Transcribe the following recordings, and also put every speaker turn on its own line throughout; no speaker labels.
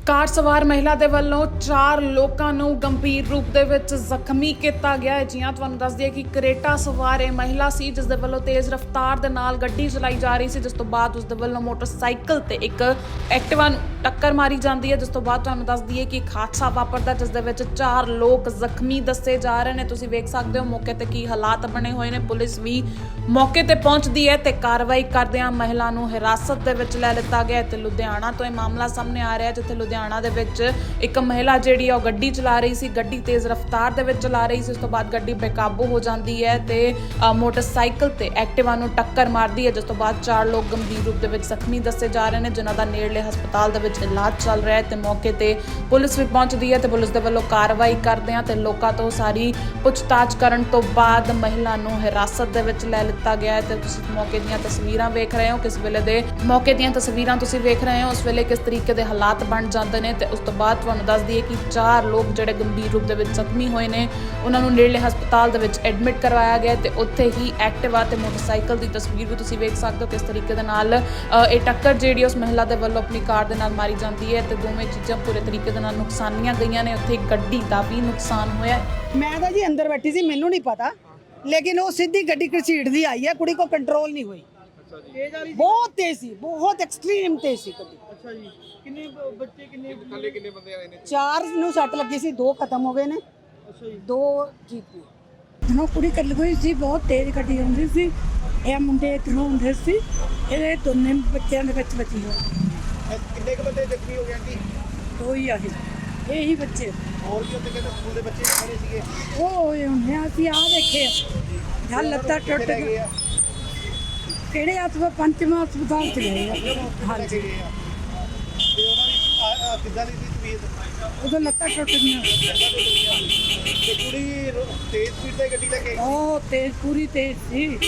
ਕਾਰ ਸਵਾਰ ਮਹਿਲਾ ਦੇ ਵੱਲੋਂ 4 ਲੋਕਾਂ ਨੂੰ ਗੰਭੀਰ ਰੂਪ ਦੇ ਵਿੱਚ ਜ਼ਖਮੀ ਕੀਤਾ ਗਿਆ ਹੈ। ਜਿਵੇਂ ਤੁਹਾਨੂੰ ਦੱਸ ਦਈਏ ਕਿ ਕਰੇਟਾ ਸਵਾਰ ਇਹ ਮਹਿਲਾ ਸੀ ਜਿਸ ਦੇ ਵੱਲੋਂ ਤੇਜ਼ ਰਫ਼ਤਾਰ ਦੇ ਨਾਲ ਗੱਡੀ ਚਲਾਈ ਜਾ ਰਹੀ ਸੀ, ਜਿਸ ਤੋਂ ਬਾਅਦ ਉਸ ਦੇ ਵੱਲੋਂ ਮੋਟਰਸਾਈਕਲ ਤੇ ਇੱਕ ਐਕਟਿਵਾ ਨੂੰ ਟੱਕਰ ਮਾਰੀ ਜਾਂਦੀ ਹੈ, ਜਿਸ ਤੋਂ ਬਾਅਦ ਤੁਹਾਨੂੰ ਦੱਸ ਦਈਏ ਕਿ ਇੱਕ ਹਾਦਸਾ ਵਾਪਰਦਾ ਜਿਸ ਦੇ ਵਿੱਚ 4 ਲੋਕ ਜ਼ਖਮੀ ਦੱਸੇ ਜਾ ਰਹੇ ਨੇ। ਤੁਸੀਂ ਵੇਖ ਸਕਦੇ ਹੋ ਮੌਕੇ ਤੇ ਕੀ ਹਾਲਾਤ ਬਣੇ ਹੋਏ ਨੇ। ਪੁਲਿਸ ਵੀ ਮੌਕੇ ਤੇ ਪਹੁੰਚਦੀ ਹੈ ਤੇ ਕਾਰਵਾਈ ਕਰਦਿਆਂ ਮਹਿਲਾ ਨੂੰ ਹਿਰਾਸਤ ਦੇ ਵਿੱਚ ਲੈ ਲਿੱਤਾ ਗਿਆ ਤੇ ਲੁਧਿਆਣਾ ਤੋਂ ਇਹ ਮਾਮਲਾ ਸਾਹਮਣੇ ਆ ਰਿਹਾ, ਜਿੱਥੇ ਲੁਧਿਆਣਾ ਦੇ ਵਿੱਚ ਇੱਕ ਮਹਿਲਾ ਜਿਹੜੀ ਆ ਉਹ ਗੱਡੀ ਚਲਾ ਰਹੀ ਸੀ, ਗੱਡੀ ਤੇਜ਼ ਰਫ਼ਤਾਰ ਦੇ ਵਿੱਚ ਚਲਾ ਰਹੀ ਸੀ। ਉਸ ਤੋਂ ਬਾਅਦ ਗੱਡੀ ਬੇਕਾਬੂ ਹੋ ਜਾਂਦੀ ਹੈ ਤੇ ਮੋਟਰਸਾਈਕਲ ਤੇ ਐਕਟਿਵਾ ਨੂੰ ਟੱਕਰ ਮਾਰਦੀ ਹੈ, ਜਿਸ ਤੋਂ ਬਾਅਦ 4 ਲੋਕ ਗੰਭੀਰ ਰੂਪ ਦੇ ਵਿੱਚ ਜ਼ਖਮੀ ਦੱਸੇ ਜਾ ਰਹੇ ਨੇ, ਜਿਨ੍ਹਾਂ ਦਾ ਨੇੜਲੇ ਹਸਪਤਾਲ ਦੇ ਵਿੱਚ ਇਲਾਜ ਚੱਲ ਰਿਹਾ ਹੈ ਤੇ ਮੌਕੇ ਤੇ ਪੁਲਿਸ ਵੀ ਪਹੁੰਚਦੀ ਹੈ ਤੇ ਪੁਲਿਸ ਦੇ ਵੱਲੋਂ ਕਾਰਵਾਈ ਕਰਦੇ ਆ ਤੇ ਲੋਕਾਂ ਤੋਂ ਸਾਰੀ ਪੁੱਛਤਾਛ ਕਰਨ ਤੋਂ ਬਾਅਦ ਮਹਿਲਾ ਨੂੰ ਹਿਰਾਸਤ ਦੇ ਵਿੱਚ ਲੈ ਲਿੱਤਾ ਗਿਆ ਹੈ। ਤੇ ਤੁਸੀਂ ਮੌਕੇ ਦੀਆਂ ਤਸਵੀਰਾਂ ਵੇਖ ਰਹੇ ਹੋ, ਕਿਸ ਵੇਲੇ ਦੇ ਮੌਕੇ ਦੀਆਂ ਤਸਵੀਰਾਂ ਤੁਸੀਂ ਵੇਖ ਰਹੇ ਹੋ, ਉਸ ਵੇਲੇ ਕਿਸ ਤਰੀਕੇ ਦੇ ਹਾਲਾਤ ਬਣ ਜਾਂਦੇ ਨੇ। ਤੇ ਉਸ ਤੋਂ ਬਾਅਦ ਤੁਹਾਨੂੰ ਦੱਸ ਦਈਏ ਕਿ 4 ਲੋਕ ਜਿਹੜੇ ਗੰਭੀਰ ਰੂਪ ਦੇ ਵਿੱਚ ਜ਼ਖਮੀ ਹੋਏ ਨੇ, ਉਹਨਾਂ ਨੂੰ ਨੇੜਲੇ ਹਸਪਤਾਲ ਦੇ ਵਿੱਚ ਐਡਮਿਟ ਕਰਵਾਇਆ ਗਿਆ ਤੇ ਉੱਥੇ ਹੀ ਐਕਟਿਵਾ ਤੇ ਮੋਟਰਸਾਈਕਲ ਦੀ ਤਸਵੀਰ ਵੀ ਤੁਸੀਂ ਵੇਖ ਸਕਦੇ ਹੋ, ਕਿਸ ਤਰੀਕੇ ਦੇ ਨਾਲ ਇਹ ਟੱਕਰ ਜਿਹੜੀ ਉਸ ਮਹਿਲਾ ਦੇ ਵੱਲੋਂ ਆਪਣੀ ਕਾਰ ਦੇ ਨਾਲ ਮਾਰੀ ਜਾਂਦੀ ਹੈ ਤੇ ਦੋਵੇਂ ਚੀਜ਼ਾਂ ਪੂਰੇ ਤਰੀਕੇ ਦੇ ਨਾਲ ਨੁਕਸਾਨੀਆਂ ਗਈਆਂ ਨੇ। ਉੱਥੇ ਗੱਡੀ ਦਾ ਵੀ ਨੁਕਸਾਨ ਹੋਇਆ।
ਮੈਂ ਤਾਂ ਜੀ ਅੰਦਰ ਬੈਠੀ ਸੀ, ਮੈਨੂੰ ਨਹੀਂ ਪਤਾ, ਲੇਕਿਨ ਉਹ ਸਿੱਧੀ ਗੱਡੀ ਘਸੀਟਦੀ ਆਈ ਹੈ, ਕੁੜੀ ਕੋ ਕੰਟਰੋਲ ਨਹੀਂ ਹੋਈ। ਬਹੁਤ ਤੇਜ਼ ਸੀ, ਬਹੁਤ ਐਕਸਟ੍ਰੀਮ ਤੇਜ਼ ਸੀ ਗੱਡੀ।
ਅੱਛਾ ਜੀ, ਕਿੰਨੇ ਬੱਚੇ ਕਿੰਨੇ ਬੰਦੇ ਆਏ ਨੇ?
4 ਨੂੰ ਸੱਟ ਲੱਗੀ ਸੀ, 2 ਖਤਮ ਹੋ ਗਏ ਨੇ।
ਅੱਛਾ ਜੀ,
2 ਠੀਕ ਨੇ।
ਜਦੋਂ ਕੁੜੀ ਕੱਲ ਗਈ ਸੀ, ਬਹੁਤ ਤੇਜ਼ ਗੱਡੀ ਆਉਂਦੀ ਸੀ, ਇਹ ਮੁੰਡੇ ਇੱਧਰੋਂ ਹੁੰਦੇ ਸੀ, ਇਹਦੇ ਦੋਨੇ ਬੱਚਿਆਂ ਦੇ ਵਿੱਚ ਬਚੀ ਹੋਈ।
ਕਿੰਨੇ ਕੁ ਬੰਦੇ ਜ਼ਖਮੀ ਹੋ ਗਏ ਆਂਟੀ?
2 ਹੀ ਆਏ, ਇਹੀ ਬੱਚੇ।
ਹੋਰ ਵੀ ਉੱਥੇ ਕਹਿੰਦੇ ਸਕੂਲ ਦੇ ਬੱਚੇ ਖੜੇ ਸੀਗੇ?
ਉਹ ਹੋਏ ਹੁੰਦੇ ਆ, ਅਸੀਂ ਆਹ ਦੇਖੇ ਜਾਂ ਲੱਤਾਂ ਟੁੱਟ
ਕਿੱਥੇ ਗਏ
ਗਏ।
ਆ?
ਕਿਹੜੇ ਹਸਪਤਾਲ? ਪੰਚਮਾ ਹਸਪਤਾਲ ਚ ਗਏ ਆ। ਹਾਂਜੀ,
ਗਏ ਆ ਤੇ ਉਹਨਾਂ ਦੀ ਕਿੱਦਾਂ ਦੀ ਸੀ ਤਬੀਅਤ?
ਉਦੋਂ ਲੱਤਾਂ ਟੁੱਟ ਗਈਆਂ।
ਤੇ ਕੁੜੀ ਤੇਜ਼ ਸਪੀਡ ਤੇ ਗੱਡੀ ਲੈ ਕੇ ਆਈ?
ਉਹ ਤੇਜ਼, ਪੂਰੀ ਤੇਜ਼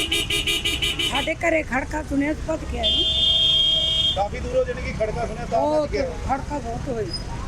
ਸੀ। ਸਾਡੇ ਘਰੇ ਖੜਕਾ ਸੁਣਿਆ, ਭੱਜ ਕੇ ਆਏ।
ਕਾਫੀ ਦੂਰੋਂ ਜਾਣੀ कि खड़का सुना था
बहुत खड़का बहुत हुई,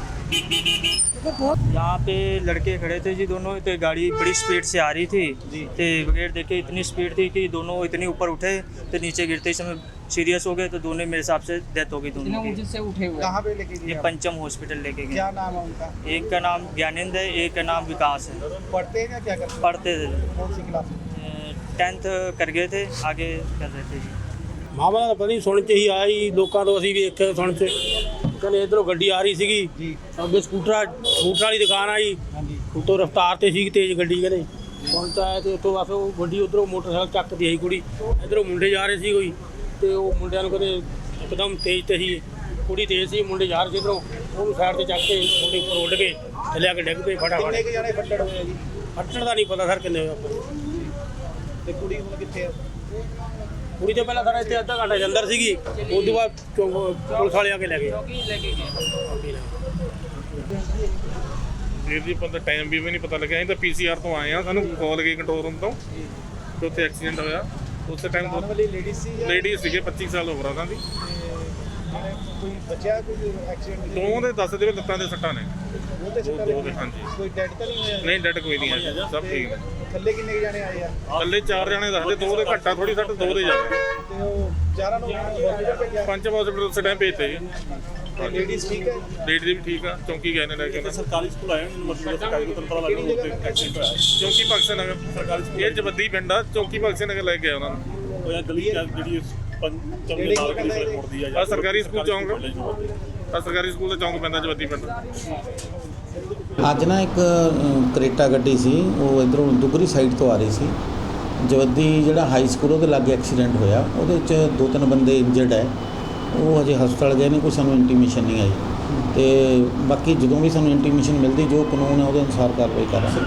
तो बहुत।
यहाँ पे लड़के खड़े थे जी, दोनों तो गाड़ी बड़ी स्पीड से आ रही थी तो बगैर देखे इतनी स्पीड थी कि दोनों इतनी ऊपर उठे तो नीचे गिरते समय सीरियस हो गए, तो दोनों मेरे हिसाब से डेथ हो गई दोनों की।
से उठे हुए कहाँ पे लेके गए?
ये पंचम हॉस्पिटल लेके गए।
क्या नाम है उनका?
एक का नाम ज्ञानेंद्र है, एक का नाम विकास है।
पढ़ते हैं या क्या करते हैं?
पढ़ते थे,
कौन सी क्लास में?
10th कर गए थे, आगे कर रहे थे जी।
ਮਾਮਲਾ ਤਾਂ ਪਤਾ ਨਹੀਂ, ਸੁਣ ਚ ਹੀ ਆਇਆ ਜੀ, ਲੋਕਾਂ ਤੋਂ ਅਸੀਂ ਵੇਖ ਕੇ ਸੁਣ ਚ ਕਹਿੰਦੇ ਇੱਧਰੋਂ ਗੱਡੀ ਆ ਰਹੀ ਸੀਗੀ
ਜੀ,
ਅੱਗੇ ਸਕੂਟਰ ਵਾਲੀ ਦੁਕਾਨ ਆ ਜੀ,
ਹਾਂਜੀ,
ਉੱਤੋਂ ਰਫ਼ਤਾਰ ਤੇ ਸੀ ਤੇਜ਼ ਗੱਡੀ, ਕਹਿੰਦੇ ਸੁਣ ਚ ਆਇਆ ਤੇ ਉੱਥੋਂ ਬਸ ਉਹ ਗੱਡੀ ਉੱਧਰੋਂ ਮੋਟਰਸਾਈਕਲ ਚੱਕਦੀ ਆਈ ਕੁੜੀ, ਇੱਧਰੋਂ ਮੁੰਡੇ ਜਾ ਰਹੇ ਸੀ ਕੋਈ, ਤੇ ਉਹ ਮੁੰਡਿਆਂ ਨੂੰ ਕਹਿੰਦੇ ਇੱਕਦਮ ਤੇਜ਼ ਤੇ ਸੀ, ਕੁੜੀ ਤੇਜ਼ ਸੀ, ਮੁੰਡੇ ਜਾ ਰਹੇ ਸੀ ਇੱਧਰੋਂ, ਉਹਨੂੰ ਸਾਈਡ ਤੇ ਚੱਕ ਕੇ ਮੁੰਡੇ ਉੱਪਰ ਉੱਡ ਕੇ ਥੱਲੇ ਆ ਕੇ ਡਿੱਗ ਪਏ ਫਟਾਫਟ।
ਕਿੰਨੇ ਕੁ ਜਾਣੇ ਫੱਟੜ ਹੋਏ ਆ ਜੀ?
ਫੱਟਣ ਦਾ ਨਹੀਂ ਪਤਾ ਸਰ ਕਿੰਨੇ ਹੋਏ ਆਪਾਂ।
ਤੇ ਕੁੜੀ ਹੁਣ ਕਿੱਥੇ ਆ?
ਕੁੜੀ ਤੋਂ ਪਹਿਲਾਂ ਸਾਡਾ ਇੱਥੇ ਅੱਧਾ ਘੰਟਾ ਦੇ ਅੰਦਰ ਸੀਗੀ, ਉਸ ਤੋਂ ਬਾਅਦ ਪੁਲਿਸ ਵਾਲੇ ਆ ਕੇ ਲੈ ਗਏ।
ਵੀਰ ਜੀ ਪਤਾ ਟਾਈਮ ਵੀ ਨਹੀਂ ਪਤਾ ਲੱਗਿਆ, ਅਸੀਂ ਤਾਂ ਪੀਸੀਆਰ ਤੋਂ ਆਏ ਆ, ਸਾਨੂੰ ਕਾਲ ਗਈ ਕੰਟਰੋਲ ਰੂਮ ਤੋਂ ਕਿ ਉੱਥੇ ਐਕਸੀਡੈਂਟ ਹੋਇਆ। ਉਸੇ ਟਾਈਮ
ਵਾਲੀ ਲੇਡੀ ਸੀ ਜਾਂ
ਲੇਡੀ ਸੀਗੇ 25 ਸਾਲ ਉਮਰ ਉਹਨਾਂ ਦੀ,
ਕੋਈ ਬੱਚਾ ਕੋਈ ਐਕਸੀਡੈਂਟ?
ਦੋਵਾਂ ਦੇ ਦੱਸਦੇ ਵੀ ਲੱਤਾਂ ਦੇ ਸੱਟਾਂ ਨੇ।
ਉਹ ਤੇ ਸੱਟਾਂ
ਦੋ ਦੇ, ਹਾਂਜੀ।
ਕੋਈ ਡੈਡ ਤਾਂ ਨਹੀਂ ਹੋਇਆ?
ਨਹੀਂ ਡੈਡ ਕੋਈ ਨਹੀਂ ਹੈ, ਸਭ ਠੀਕ ਨੇ।
ਥੱਲੇ ਕਿੰਨੇ ਕੁ ਜਾਣੇ ਆਏ ਆ?
ਥੱਲੇ 4 ਜਣੇ ਦੱਸਦੇ, 2 ਦੇ ਘੱਟਾ ਥੋੜੀ ਸੱਟ, 2 ਦੇ ਜ਼ਿਆਦਾ।
ਤੇ ਉਹ ਚਾਰਾਂ ਨੂੰ ਹਸਪੀਟਲ ਭੇਜਿਆ?
ਪੰਚਮ ਹਸਪੀਟਲ ਉਸੇ ਟਾਈਮ ਭੇਜਤੇ ਜੀ।
ਲੇਡੀਜ਼ ਠੀਕ ਹੈ?
ਲੇਡੀ ਵੀ ਠੀਕ ਆ, ਚੌਂਕੀ ਗਏ ਨੇ ਲੈ ਕੇ।
ਸਰਕਾਰੀ ਸਕੂਲ ਆਏ ਮਤਲਬ ਸਰਕਾਰੀ ਨੂੰ ਪਤਾ
ਕਿਹੜੀ ਜਗ੍ਹਾ ਤੇ ਐਕਸੀਡੈਂਟ ਹੋਇਆ?
ਚੌਂਕੀ ਭਗਤ ਨਗਰ ਸਰਕਾਰੀ ਸਕੂਲ, ਇਹ ਜਵੱਦੀ ਪਿੰਡ ਆ, ਚੌਂਕੀ ਭਗਤ ਨਗਰ ਲੈ ਕੇ ਗਏ ਉਹਨਾਂ ਨੂੰ।
ਹੋਇਆ ਗਲੀ ਜਿਹੜੀ ਪੰਚਮ ਦੇ ਨਾਲ ਗਲੀ ਮੁੜਦੀ
ਆ ਸਰਕਾਰੀ ਸਕੂਲ ਚੌਂਕ, ਆ ਸਰਕਾਰੀ ਸਕੂਲ ਦਾ ਚੌਂਕ ਪੈਂਦਾ ਜਵੱਦੀ ਪਿੰਡ।
ਅੱਜ ਨਾ ਇੱਕ ਕਰੇਟਾ ਗੱਡੀ ਸੀ, ਉਹ ਇੱਧਰੋਂ ਦੁਗਰੀ ਸਾਈਡ ਤੋਂ ਆ ਰਹੀ ਸੀ, ਜਵੱਦੀ ਜਿਹੜਾ ਹਾਈ ਸਕੂਲ ਉਹਦੇ ਲਾਗੇ ਐਕਸੀਡੈਂਟ ਹੋਇਆ। ਉਹਦੇ ਵਿੱਚ 2-3 ਬੰਦੇ ਇੰਜਰਡ ਹੈ, ਉਹ ਹਜੇ ਹਸਪਤਾਲ ਗਏ ਨੇ, ਕੋਈ ਸਾਨੂੰ ਇੰਟੀਮੇਸ਼ਨ ਨਹੀਂ ਆਈ। ਤੇ ਬਾਕੀ ਜਦੋਂ ਵੀ ਸਾਨੂੰ ਇੰਟੀਮੇਸ਼ਨ ਮਿਲਦੀ, ਜੋ ਕਾਨੂੰਨ ਹੈ ਉਹਦੇ ਅਨੁਸਾਰ ਕਾਰਵਾਈ ਕਰਾਂਗੇ।